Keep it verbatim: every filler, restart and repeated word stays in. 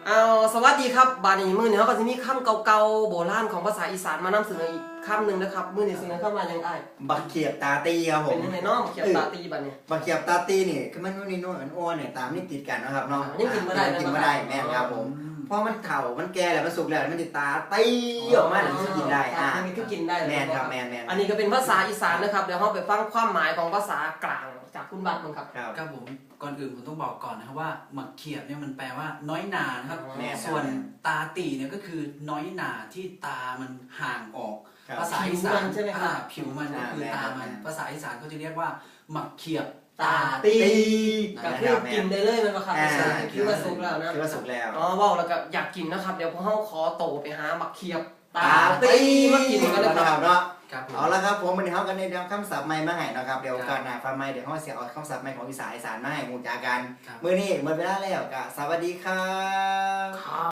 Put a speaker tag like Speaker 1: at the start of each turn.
Speaker 1: เอาสวัสดีครับบานี้มือเนี่ยเขาก็จะมีคำเก่าๆโบราณของภาษาอีสานมานำเสนออีกคำหนึ่งนะครับมือเนี่ยเสนอเข้ามาอย่างไร
Speaker 2: บักเขียบตาตีครับผม
Speaker 1: เป็นยังไงเนาะเขียบตาตีบัดเนี่ย
Speaker 2: บักเขียบตาตีนี่คือมันนู่นนี่นู่นอ้วนเนี่ยตามนี่ติดกันนะครับเนาะ
Speaker 1: ยังกินมาได้
Speaker 2: กินมาได้แม่ครับผมเพราะมันเข่ามันแก่แล้วมันสุกแล้วมันติดตาตีออกมาถึงจะกินได้อ่า
Speaker 1: มันก็กินได้
Speaker 2: แม่ครับแม่แม่
Speaker 1: อันนี้ก็เป็นภาษาอีสานนะครับเดี๋ยวเราไปฟังความหมายของภาษากลางจากคุณบัตรมั้งครับ
Speaker 3: ครับผมก่อนอื่นผมต้องบอกก่อนนะครับว่าหมักเขียบเนี่ยมันแปลว่าน้อยหนานะครับส่วนตาตีเนี่ยก็คือน้อยหนาที่ตามันห่างออกภาษาอีสาน
Speaker 1: ใช่ไหมครับ
Speaker 3: ผิวมันก็คือตามันภาษาอีสานเขาจะเรียกว่าหมักเขียบ
Speaker 1: ตาตีก็คือกินได้เลยมันก็ครับคือว่าสุกแล้วนะ
Speaker 2: คือว่าสุกแล้ว
Speaker 1: อ๋อว้าวแล้วก็อยากกินนะครับเดี๋ยวพวกเราขอโตไปหาหมักเขียบตาตีมากินกันเลยครับ
Speaker 2: เนาะเอาละครับผมวันนี้เขากันในเรื่องคำศัพท์ใหม่มาให้นะครับเดี๋ยวการหน้าฟังใหม่เดี๋ยวเขาเสียเอาคำศัพท์ใหม่ของภาษาอีสานมาให้งูจากันมื้อนี้หมดเวลาแล้วก็สวัสดีครับ